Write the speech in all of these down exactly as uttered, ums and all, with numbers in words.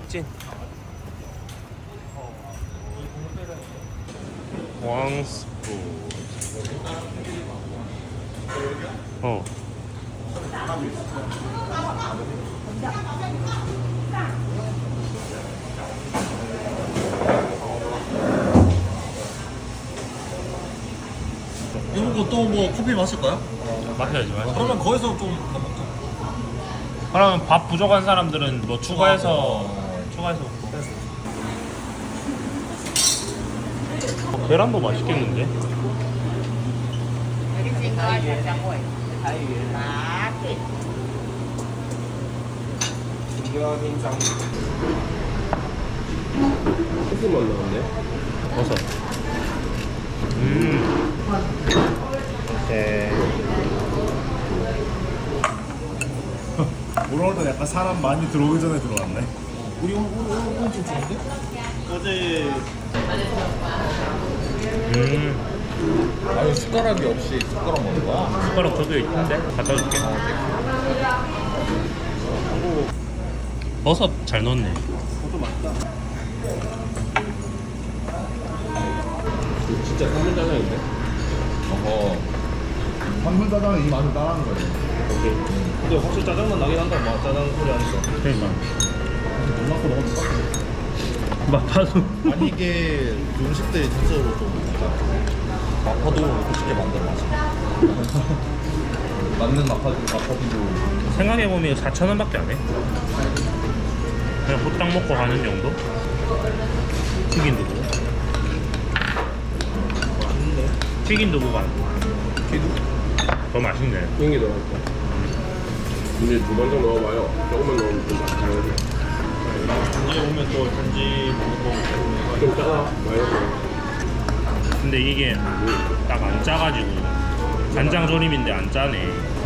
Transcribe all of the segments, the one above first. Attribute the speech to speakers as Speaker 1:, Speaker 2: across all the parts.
Speaker 1: 찐. 왕스푸드. 어.
Speaker 2: 이거 또 뭐 커피 마실까요?
Speaker 1: 마셔야지 마셔.
Speaker 2: 그러면 거기서 좀 더 먹자.
Speaker 1: 그러면 밥 부족한 사람들은 뭐 추가해서 추가해서 먹고. 어, 계란도 맛있겠는데?
Speaker 3: 소스만 나왔네.
Speaker 1: 버섯. 음. 네.
Speaker 4: 오늘도 약간 사람 많이 들어오기 전에 들어왔네.
Speaker 2: 우리 오늘 오늘 오늘 좀 좋은데? 어제
Speaker 1: 음.
Speaker 2: 아니 숟가락이 없이 숟가락 먹는 거야?
Speaker 1: 숟가락 저기 있는데 갖다 줄게. 버섯 잘 넣었네.
Speaker 4: 그것도 맛있다.
Speaker 3: 진짜 삼분 짜장인데?
Speaker 2: 어허.
Speaker 4: 한물 짜장은 이 맛을 따라하는 거예요.
Speaker 3: 오케이. 근데 확실히 짜장만 나긴 한다. 막 짜장 소리 하니까.
Speaker 1: 그러니까.
Speaker 4: 눈 맞고 먹어도 빡.
Speaker 1: 마파도.
Speaker 2: 아니 이게 음식들이 전체적으로 좀 마파도 멋있게 만들어놨어. 맞는 마파 마파도
Speaker 1: 생각해보면 사천 원밖에 안 해. 그냥 호딱 먹고 가는 정도? 튀긴 두부. 튀긴 두부가 더 맛있네.
Speaker 3: 그런 게 들어갔다. 근데 두 번 정도 넣어봐요. 조금만 넣으면 좀 맛있어요.
Speaker 2: 이제 오면 또 단지 먹고
Speaker 3: 좀 짜다. 맛있어.
Speaker 1: 근데 이게 딱 안 짜가지고 간장 조림인데 안 짜네.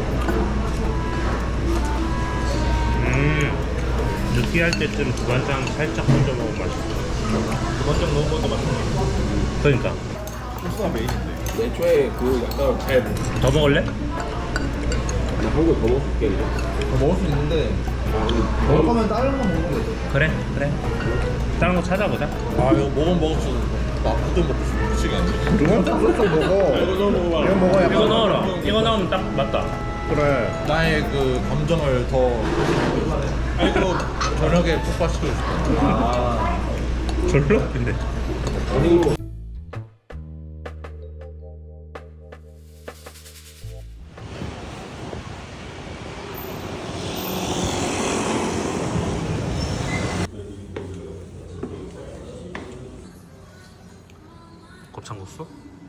Speaker 1: 음 느끼할 때쯤 두반장 살짝 얹어 먹으면 맛있어.
Speaker 2: 두번째 넣은 것도 맛있네.
Speaker 1: 그러니까
Speaker 2: 소스가 메인인데.
Speaker 3: 애초에 그 약간 잘
Speaker 1: 더 먹을래?
Speaker 3: 나 한 거 더 먹을게 이제.
Speaker 2: 더 먹을 수 있는데
Speaker 4: 먹을 거면 다른 거 먹으면 되죠.
Speaker 1: 그래 그래. 다른 거 찾아보자.
Speaker 2: 아 이거 먹으면 먹을수록 마파도 먹고 싶어 미치게 안 돼.
Speaker 4: 그건 딱 쏙쏙 먹어.
Speaker 3: 이거 넣어 먹어봐.
Speaker 4: 이거 먹어 약간.
Speaker 1: 이거 넣어라. 이거 넣으면 딱 맞다.
Speaker 4: 그래.
Speaker 2: 나의 그 감정을 더 아이고 저녁에 폭발시키고 싶어.
Speaker 1: 아 절로? 근데
Speaker 3: 아니
Speaker 1: 곱창국수?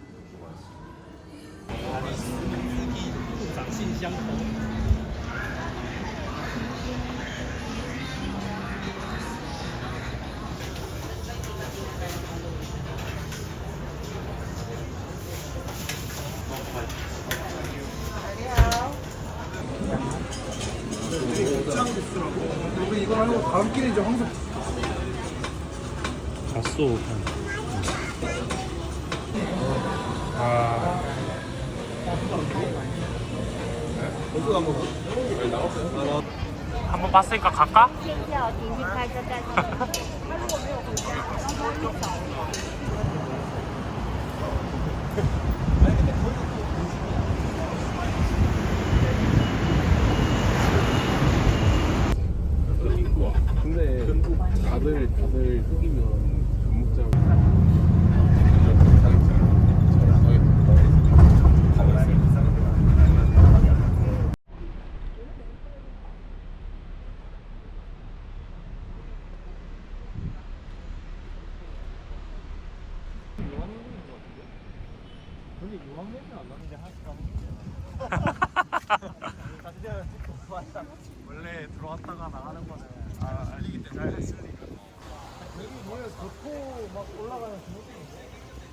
Speaker 4: 우리 이거 하고 다음 끼는 이제 황석.
Speaker 1: 갓소. 아. 한번 봤으니까 갈까?
Speaker 5: 先叫点击开车再去。他如果没有回家，然后你找。
Speaker 3: 근데 다들 다들 속이면 전목장
Speaker 4: 원래 들어왔다가 나가는 거는 아 알리기 때문에 잘 했으니까. 여기 뭐야 교토 막 올라가는 중국인데.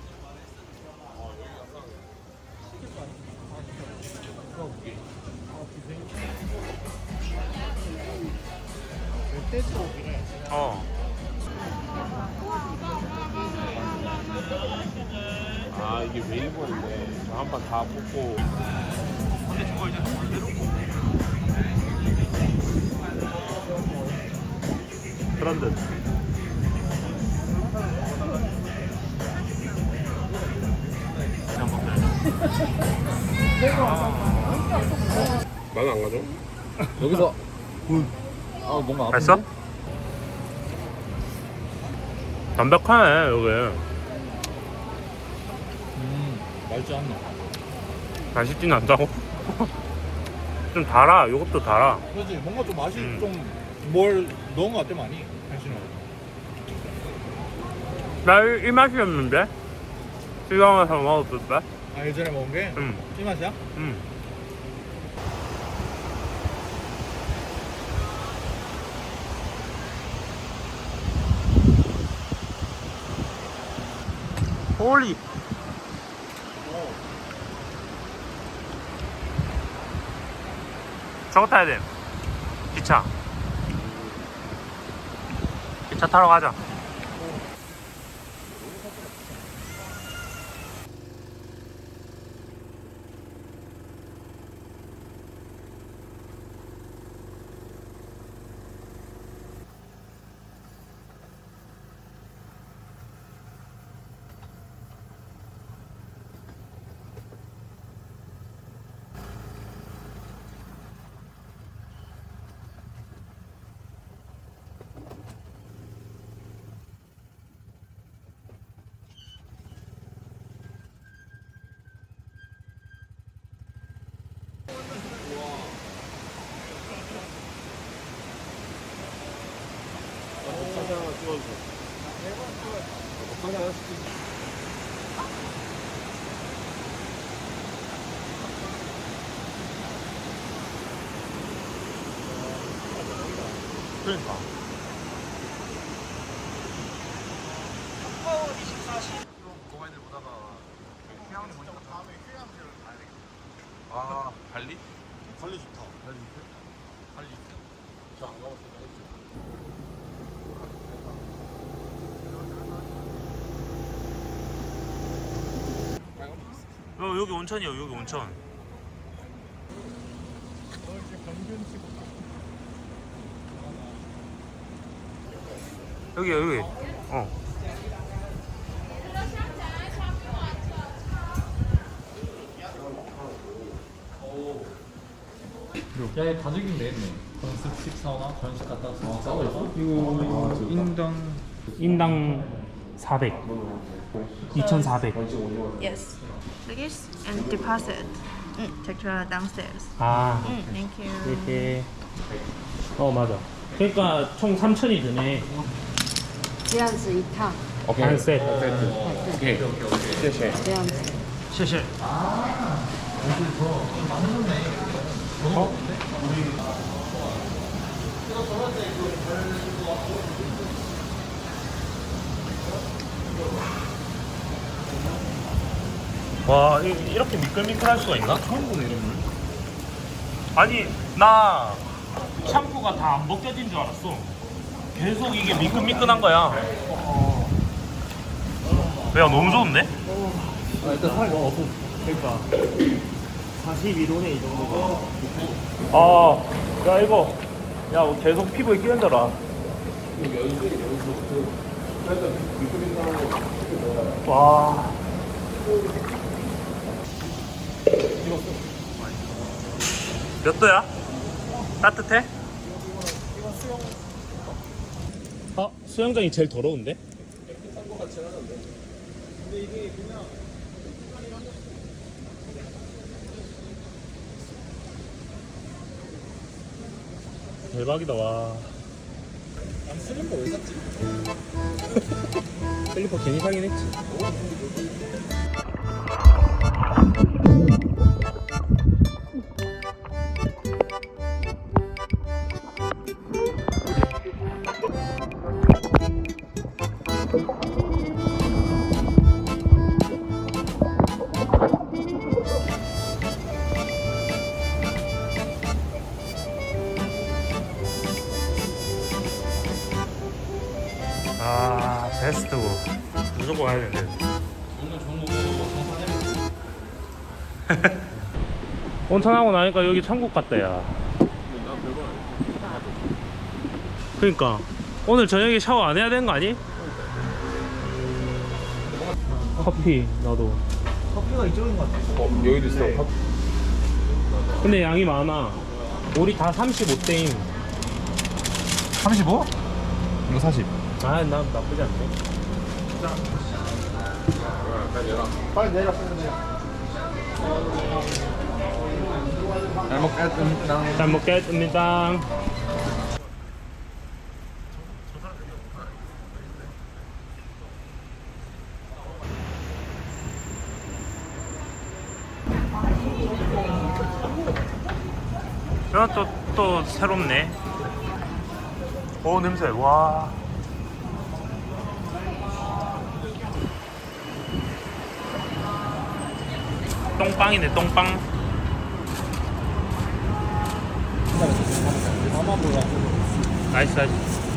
Speaker 1: 어.
Speaker 3: 아 이게 왜 일본인데 저 한 판 다 뽑고
Speaker 1: 근데 저거 이제
Speaker 3: 그런 듯 나는 안 가죠.
Speaker 2: 여기서 아 뭔가 아픈데?
Speaker 1: 맛있어? 담백하네 여기.
Speaker 2: 음 맛있지 않나?
Speaker 1: 맛있진 않다고? 좀 달아. 이것도 달아.
Speaker 2: 그렇지 뭔가 좀 맛이
Speaker 1: 음.
Speaker 2: 좀 뭘 넣은 것 같아 많이 당신은.
Speaker 1: 나 이 맛이었는데? 시장에서 먹었을 때?
Speaker 2: 아 예전에 먹은 게?
Speaker 1: 응.
Speaker 2: 이 맛이야?
Speaker 1: 응. 홀리. 저거 타야 돼. 기차. 기차 타러 가자. 그러니까.
Speaker 3: 아 발리?
Speaker 2: 관리 좋다. 관리 좋대? 관리 좋대?
Speaker 3: 저안 가봤어요.
Speaker 1: 어, 여기 온천이요. 여기 온천. 여기 여기. 어.
Speaker 2: 야, 얘 가족인 되겠네. 건습식 사우나, 전식 갔다 와서 싸고 있어?
Speaker 4: 이거 인당
Speaker 1: 인당 사백. 이천사백.
Speaker 5: Yes. Luggage and deposit. Mm, take to downstairs.
Speaker 1: 아.
Speaker 5: Mm, thank you.
Speaker 1: 이렇게. 어 맞아. 그러니까 총 삼천이 드네.
Speaker 6: 这样子一趟，
Speaker 1: 한 세트.
Speaker 3: 오케이. 오케이.
Speaker 6: 这样子。
Speaker 1: 谢谢. 어? 와, 이, 이렇게 미끌미끌할 수가 있나? 처음 보네, 이런 물. 아니, 나 샴푸가 다 안 벗겨진 줄 알았어. 계속 이게 미끈미끈한 거야. 야, 너무 좋은데?
Speaker 2: 아, 일단 살이 너무 없어.
Speaker 4: 그러니까 사십일 도네 이 정도가.
Speaker 1: 아, 야, 이거. 야, 계속 피부에 끼얹어라. 와. 몇 도야? 따뜻해? 어? 수영장이 제일 더러운데? 대박이다. 와.
Speaker 2: 난 슬리퍼 왜 샀지?
Speaker 1: 슬리퍼 괜히 사긴 했지. 아, 베스트고 무조건 가야 되는데. 온천하고 나니까 여기 천국 같다. 야 그러니까 오늘 저녁에 샤워 안 해야 되는 거 아니? 커피 나도.
Speaker 4: 커피가 이쪽인 것 같아.
Speaker 3: 어 여기도 있어.
Speaker 1: 근데 양이 많아. 우리 다 삼십오 대임.
Speaker 2: 삼십오? 이거 사십.
Speaker 1: 아, 나 나쁘지 않네.
Speaker 2: 빨리 내려, 빨리 내려. 잘 먹겠습니다.
Speaker 1: 잘 먹겠습니다. 이건 또, 또 새롭네. 오, 냄새. 와. 똥빵이네, 똥빵. 나이스, 나이스.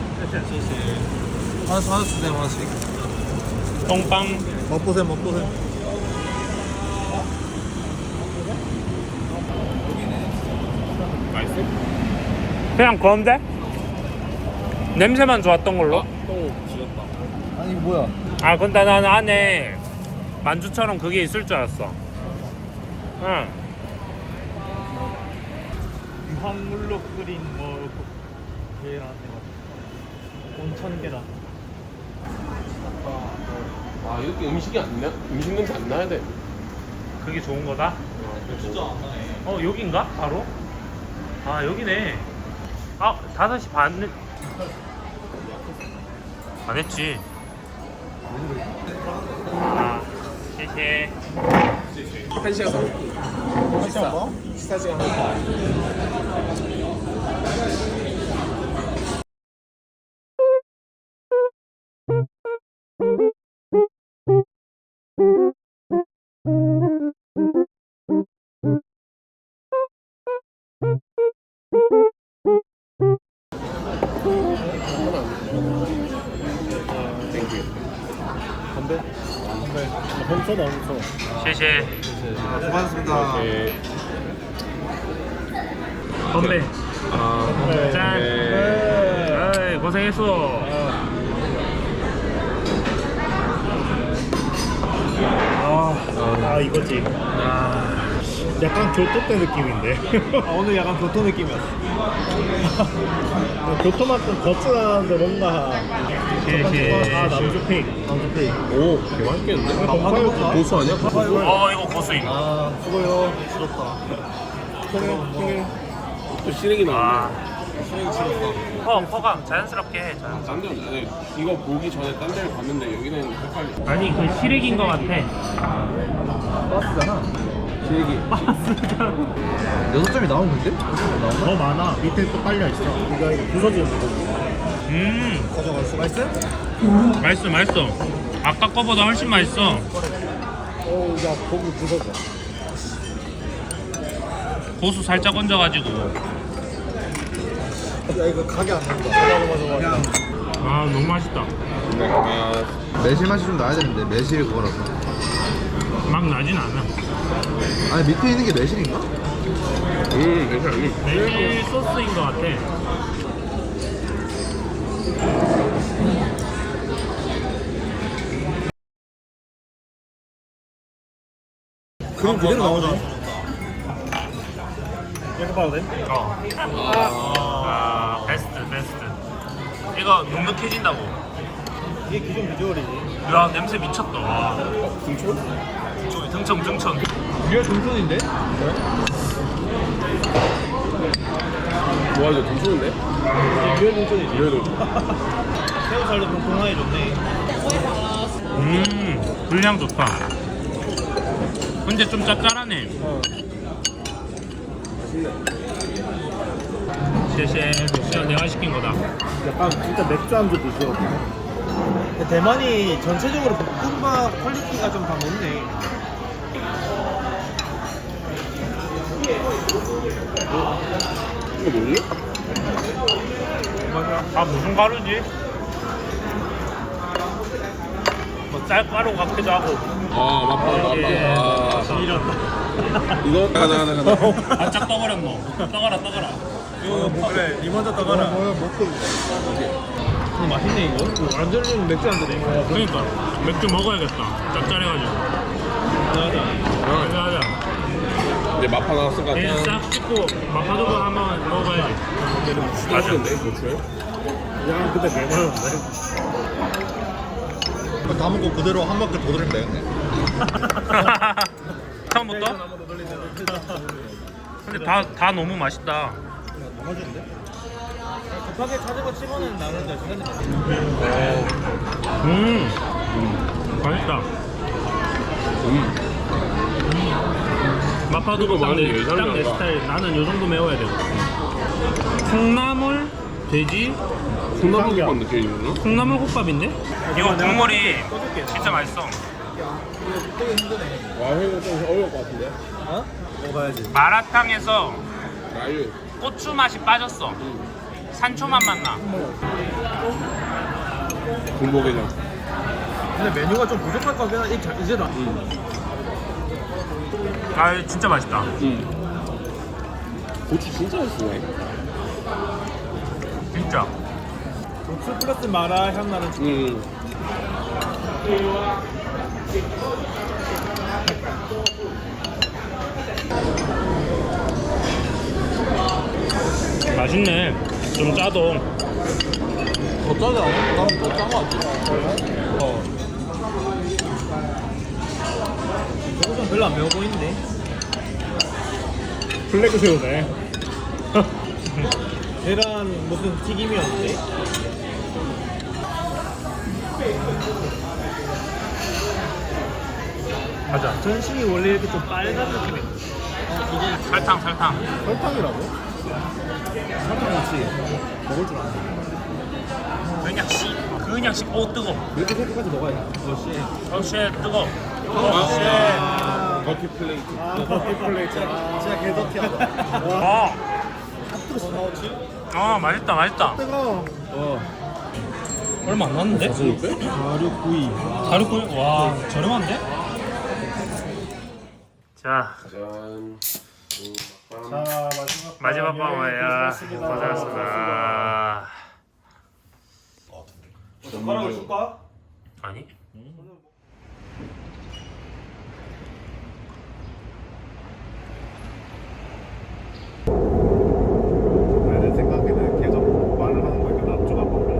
Speaker 2: 하나씩, 하나씩 주세요, 하나씩.
Speaker 1: 똥빵.
Speaker 2: 맛보세요, 맛보세요.
Speaker 3: 맛있어?
Speaker 1: 그냥 그런데? 냄새만 좋았던 걸로?
Speaker 3: 또 지렸다.
Speaker 2: 아니, 이거 뭐야?
Speaker 1: 아, 근데 난 안에 만주처럼 그게 있을 줄 알았어. 응.
Speaker 4: 유황물로 끓인 뭐 계란 온천 계란.
Speaker 3: 아 이렇게 음식이 안 나? 음식 냄새 안 나야 돼.
Speaker 1: 그게 좋은 거다?
Speaker 4: 진짜 안 나네.
Speaker 1: 어, 여긴가? 바로? 아, 여기네. 아, 다섯 시 반. 안 했지. 아,谢谢.
Speaker 3: 한 시간 더.
Speaker 2: 식사 뭐? 식사 시간 할까?
Speaker 4: 건배? 건배. 멈춰 나 멈춰.
Speaker 1: 谢谢.
Speaker 2: 수고하셨습니다.
Speaker 3: 네.
Speaker 1: 건배.
Speaker 3: 아,
Speaker 1: 짠.
Speaker 3: 네.
Speaker 1: 아이, 고생했어.
Speaker 4: 아, 아 이거지.
Speaker 1: 아,
Speaker 4: 약간 교토 때 느낌인데. 아, 오늘 약간 교토 느낌이었어. 교토만큼 거칠한데 뭔가.
Speaker 1: 谢谢.
Speaker 4: 아 남주핑. 남주핑.
Speaker 3: 오, 되게 맛있겠는데? 고수 아니야?
Speaker 1: 어, 이거 고수임.
Speaker 2: 아, 수고요. 싫었다.
Speaker 3: 또 시래기
Speaker 1: 아,
Speaker 3: 나왔네.
Speaker 1: 퍼, 퍼가 자연스럽게 해. 자연스럽게.
Speaker 3: 딴 데는 네, 이거 보기 전에 딴 데를 갔는데 여기는 헷갈려.
Speaker 1: 아니, 그 시래기인 것 같아.
Speaker 2: 버스잖아.
Speaker 3: 시래기.
Speaker 2: 여섯 점이 나오는데? 여섯 점 나오나?
Speaker 4: 더 많아. 밑에 또 깔려 있어. 이거 이거 부서지는 거.
Speaker 1: 음,
Speaker 2: 가져갔어. 맛있어?
Speaker 1: 맛있어, 맛있어. 아까 거보다 훨씬 맛있어.
Speaker 4: 어, 야 고기 부서져.
Speaker 1: 고수 살짝 얹어가지고.
Speaker 2: 야, 이거 가게 안 난다. 맞아, 맞아, 맞아.
Speaker 1: 아, 너무 맛있다.
Speaker 3: 아,
Speaker 2: 매실 맛이 좀 나야 되는데, 매실이 그거라서.
Speaker 1: 막 나진 않아.
Speaker 2: 아니, 밑에 있는 게 매실인가?
Speaker 3: 음, 괜찮아.
Speaker 1: 매실 소스인 것 같아.
Speaker 4: 그림 그대로 나오네. 이렇게 봐도 돼?
Speaker 1: 어. 아, 베스트, 베스트. 이거 눅눅해진다고.
Speaker 4: 이게 기존 비주얼이지.
Speaker 1: 야, 냄새 미쳤다. 와.
Speaker 3: 등촌?
Speaker 1: 등청, 등청.
Speaker 4: 리얼 동선인데?
Speaker 3: 와, 이거 등촌인데?
Speaker 4: 리얼 동선이지.
Speaker 3: 이래도.
Speaker 4: 새우살도 동동하해졌네.
Speaker 1: 음, 분량 좋다. 근데 좀 짭짤하네. 쉐쉐, 이건 내가 시킨 거다.
Speaker 4: 약간 진짜 맥주 안주 비주얼이네. 대만이 전체적으로 볶음밥 퀄리티가 좀 다 높네.
Speaker 3: 이거 뭐지?
Speaker 1: 아, 무슨 가루지? 뭐 쌀가루 같기도 하고.
Speaker 3: 아, 맞다,
Speaker 1: 예.
Speaker 3: 맞다.
Speaker 1: 이런.
Speaker 3: 이거 가나, 가나, 가나.
Speaker 1: 바짝 떠버렸노. 떠가라, 떠가라.
Speaker 4: 이거 뭐 그래, 니 먼저 떠가라. 뭐야, 먹고. 이거 맛있네 이거. 이거 완전 맥주 안주네 이거.
Speaker 1: 그러니까 맥주 먹어야겠다. 짭짤해가지고.
Speaker 4: 맞아.
Speaker 1: 맞아, 맞아.
Speaker 3: 이제 마파 나왔으니까
Speaker 1: 그냥
Speaker 3: 그냥
Speaker 1: 싹 찍고 마파두부 한번 먹어봐야지.
Speaker 3: 맛있는데 고추에.
Speaker 4: 야 근데 개많은데.
Speaker 2: 다 먹고 그대로 한 바퀴 더 돌리면 되겠네.
Speaker 1: 처음부터? 근데 다, 다 너무 맛있다.
Speaker 2: 맛있는데?
Speaker 4: 급하게 찾은 거 치고는 나는데 시간이
Speaker 1: 음, 맛있다.
Speaker 3: 음.
Speaker 1: 마파두부
Speaker 3: 이거 많이
Speaker 1: 딱내
Speaker 3: 예상이 안 가.
Speaker 1: 스타일. 나는 요 정도 매워야 되거든. 콩나물, 돼지,
Speaker 3: 콩나물국밥 느낌이거든?
Speaker 1: 콩나물 국밥인데? 이거 국물이 진짜 맛있어.
Speaker 3: 와 이거 좀 어려울 것 같은데?
Speaker 4: 어? 먹어야지.
Speaker 1: 마라탕에서
Speaker 3: 라유.
Speaker 1: 고추 맛이 빠졌어. 산초 맛만 나.
Speaker 3: 군복이랑.
Speaker 4: 근데 메뉴가 좀 부족할 것 같긴 한데 이제 이제 나.
Speaker 1: 아 진짜 맛있다.
Speaker 3: 음. 고추 진짜 맛있네.
Speaker 1: 진짜.
Speaker 4: 고추 플러스 마라 향 나는
Speaker 3: 음.
Speaker 1: 맛있네. 좀 짜도.
Speaker 2: 더 짜지 않아? 나는 더짠거 같지?
Speaker 4: 어. 저거 별로 안 매워 보이는데.
Speaker 1: 블랙 새우네.
Speaker 4: 계란 무슨 튀김이었는데?
Speaker 1: 가자.
Speaker 4: 전심이 원래 이렇게 좀 빨간 느낌이.
Speaker 1: 설탕 설탕.
Speaker 2: 설탕이라고? 설탕 넣지. 먹을 줄 아네.
Speaker 1: 그냥 씨. 그냥 씨. 오 뜨거.
Speaker 4: 이렇게 색깔까지 먹어야 돼. 역시.
Speaker 1: 어씨 뜨거.
Speaker 3: 아, 버티 플레이트.
Speaker 4: 아, 커피 플레이트. 아, 진짜 개더티하다.
Speaker 1: 어.
Speaker 4: 뭐 나오지?
Speaker 1: 아 맛있다 맛있다.
Speaker 4: 뜨거워. 어.
Speaker 1: 얼마 안 났는데?
Speaker 4: 사육구이.
Speaker 1: 사육구이? 와 저렴한데? 자
Speaker 3: 짠.
Speaker 4: 자, 마지막
Speaker 1: 마지막
Speaker 4: 방
Speaker 1: 방어야.
Speaker 4: 고생하셨습니다.
Speaker 1: 고생하셨습니다.
Speaker 4: 젓가락을 줄까?
Speaker 1: 아니?
Speaker 2: 내 생각에는 걔가 말을 하는 거니까 남주가 먹을래.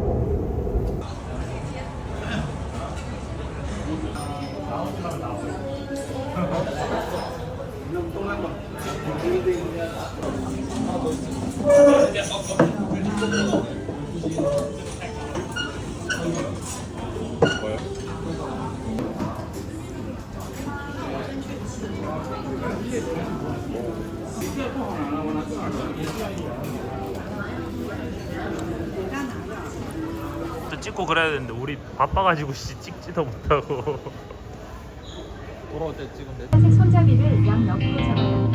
Speaker 1: 또 찍고 그래야 되는데 우리 바빠가지고 씨 찍지도 못하고.
Speaker 4: 돌아올 때 찍으면 돼.
Speaker 6: 파란색 손잡이를 양 옆으로 잡아요.